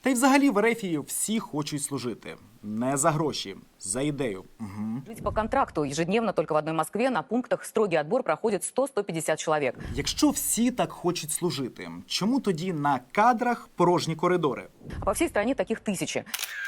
Та й взагалі в Ерефії всі хочуть служити. Не за гроші, за ідею. Жить по контракту ежедневно только в одной Москве на пунктах строгий отбор проходит 100-150 человек. Якщо всі так хочуть служити, чому тоді на кадрах порожні коридори? А по всей стране таких тысячи.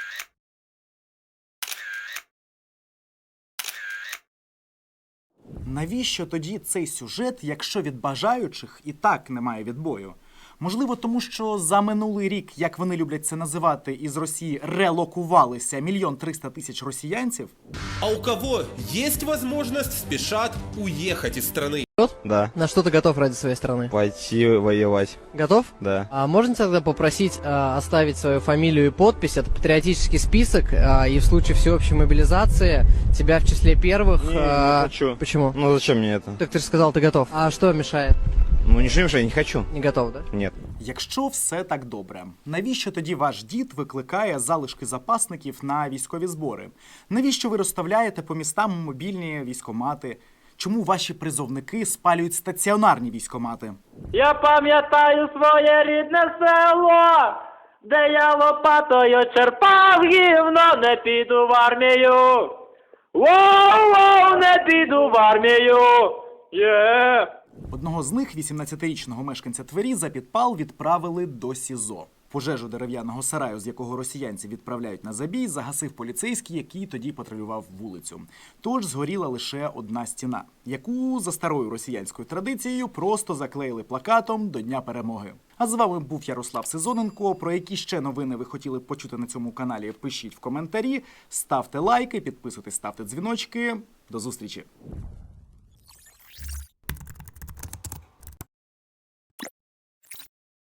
Навіщо тоді цей сюжет, якщо від бажаючих і так немає відбою? Можливо, тому що за минулий рік, як вони люблять це називати, із Росії релокувалися 1 300 000 росіянців? А у кого есть возможность, спешат уехать из страны. Да. На что ты готов ради своей страны? Пойти воевать. Готов? Да. А можно тогда попросить оставить свою фамилию и подпись? Это патриотический список, и в случае всеобщей мобилизации тебя в числе первых... Не хочу. Почему? Ну зачем мне это? Так ты же сказал, ты готов. А что мешает? Ну ничего не мешает, не хочу. Не готов, да? Нет. Якщо все так добре, навіщо тоді ваш дід викликає залишки запасників на військові збори? Навіщо ви розставляєте по містам мобільні військкомати? Чому ваші призовники спалюють стаціонарні військкомати? Я пам'ятаю своє рідне село, де я лопатою черпав гівно, не піду в армію. Воу-воу, не піду в армію. Одного з них, 18-річного мешканця Твері, за підпал відправили до СІЗО. Пожежу дерев'яного сараю, з якого росіянці відправляють на забій, загасив поліцейський, який тоді патрулював вулицю. Тож згоріла лише одна стіна, яку за старою росіянською традицією просто заклеїли плакатом до Дня Перемоги. А з вами був Ярослав Сезоненко. Про які ще новини ви хотіли б почути на цьому каналі, пишіть в коментарі, ставте лайки, підписуйтесь, ставте дзвіночки. До зустрічі!